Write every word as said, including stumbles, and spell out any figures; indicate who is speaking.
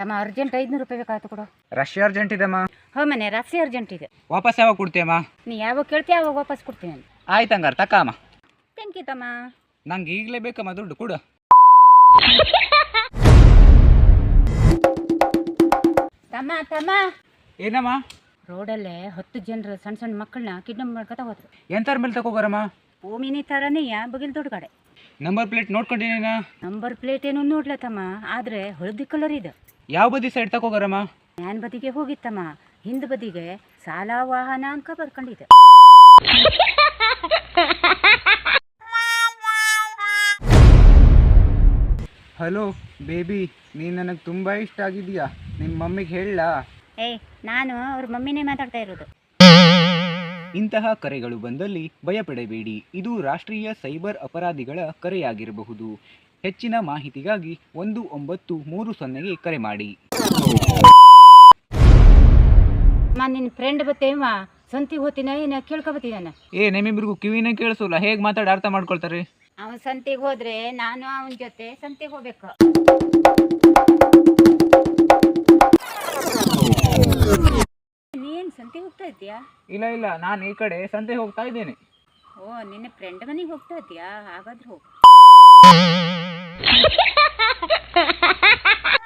Speaker 1: ತಮ್ಮ ಅರ್ಜೆಂಟ್ ಐದುನೂರು ರೂಪಾಯಿ ಬೇಕಾಯ್ತು ಕೊಡು.
Speaker 2: ರಶ್ ಅರ್ಜೆಂಟ್ ಇದೆಮ್ಮ.
Speaker 1: ಹೋ ಮನೆ ರಾತ್ರಿ ಅರ್ಜೆಂಟ್ ಇದೆ.
Speaker 2: ವಾಪಸ್ ಯಾವಾಗ ಕೊಡ್ತೀಯಮ್ಮ?
Speaker 1: ನೀ ಯಾವಾಗ ಕೇಳ್ತೀಯ ಅವಾಗ ವಾಪಸ್ ಕೊಡ್ತೀನಿ ನಾನು.
Speaker 2: ಆಯ್ತು ಹಂಗಾರೆ ತಕ್ಕಮ್ಮ.
Speaker 1: ಥ್ಯಾಂಕ್ ಯು ತಮ್ಮ.
Speaker 2: ನಂಗೆ ಈಗಲೇ ಬೇಕಮ್ಮ ದುಡ್ಡು ಕೊಡು.
Speaker 1: ತಮ್ಮ ತಮ್ಮ
Speaker 2: ಏನಮ್ಮ?
Speaker 1: ರೋಡಲ್ಲೇ ಹತ್ತು ಜನರು ಸಣ್ಣ ಸಣ್ಣ ಮಕ್ಕಳನ್ನ ಕಿಡ್ನಾಪ್ ಮಾಡ್ಕೊತ ಹೋದ್ರು.
Speaker 2: ಎಂತಾರ ಮೇಲೆ ತಗೋಗಾರಮ್ಮ?
Speaker 1: ಭೂಮಿನಿ ಥರನೇಯ ಬಗಿಲ್ ದೊಡ್ಡ ಗಾಡೆ.
Speaker 2: ನಂಬರ್ ಪ್ಲೇಟ್ ನೋಡ್ಕೊಂಡಿನ?
Speaker 1: ನಂಬರ್ ಪ್ಲೇಟ್ ಏನು ನೋಡ್ಲ ತಮ್ಮ, ಆದ್ರೆ ಹಳದಿ ಕಲರ್ ಇದೆ.
Speaker 2: ಯಾವ ಬದಿ ಸೈಡ್ ತಗೋಗಾರಮ್ಮ?
Speaker 1: ಮ್ಯಾನ್ ಬದಿಗೆ ಹೋಗಿತ್ತಮ್ಮ, ಹಿಂದ್ ಬದಿಗೆ ಸಾಲ ವಾಹನ ಅನ್ಕ ಬರ್ಕೊಂಡಿದೆ.
Speaker 2: ಹಲೋ ಬೇಬಿ, ನೀನು ನನಗೆ ತುಂಬ ಇಷ್ಟ ಆಗಿದೆಯಾ? ನಿಮ್ಮ ಮಮ್ಮಿಗೆ ಹೇಳಲಾ?
Speaker 1: ಏಯ್, ನಾನು ಅವ್ರ ಮಮ್ಮಿನೇ ಮಾತಾಡ್ತಾ ಇರೋದು.
Speaker 2: ಇಂತಹ ಕರೆಗಳು ಬಂದಲ್ಲಿ ಭಯಪಡಬೇಡಿ, ಇದು ರಾಷ್ಟ್ರೀಯ ಸೈಬರ್ ಅಪರಾಧಿಗಳ ಕರೆಯಾಗಿರಬಹುದು. ಹೆಚ್ಚಿನ ಮಾಹಿತಿಗಾಗಿ ಒಂದು ಒಂಬತ್ತು ಮೂರು ಸೊನ್ನೆಗೆ ಕರೆ ಮಾಡಿ.
Speaker 1: ಮಾ ನಿನ್ನ ಫ್ರೆಂಡ್ ಬತ್ತೇವ ಸಂತಿಗೆ ಹೋಗ್ತೀನ ಏನ ಕೇಳ್ಕೊಬತ್ತೀನ?
Speaker 2: ಏ ನಿಮ್ಮಿಬ್ರಿಗೂ ಕಿವಿನೇ ಕೇಳಿಸೋಲ್ಲ, ಹೇಗೆ ಮಾತಾಡಿ ಅರ್ಥ ಮಾಡ್ಕೊಳ್ತಾರೆ?
Speaker 1: ಅವನ್ ಸಂತಿಗೆ ಹೋದ್ರೆ ನಾನು ಅವನ ಜೊತೆ ಸಂತಿಗೆ ಹೋಗ್ಬೇಕು. ನೀನ್ ಸಂತಿಗೆ ಹೋಗ್ತಾ ಇದ್ದೀಯಾ?
Speaker 2: ಇಲ್ಲ ಇಲ್ಲ, ನಾನು ಈ ಕಡೆ ಸಂತೆ ಹೋಗ್ತಾ ಇದ್ದೇನೆ.
Speaker 1: ಓ, ನಿನ್ನ ಫ್ರೆಂಡ್ ಮನೆಗೆ ಹೋಗ್ತಾ ಇದ್ದೀಯಾ? ಹಾಗಾದ್ರೆ ಹೋಗು.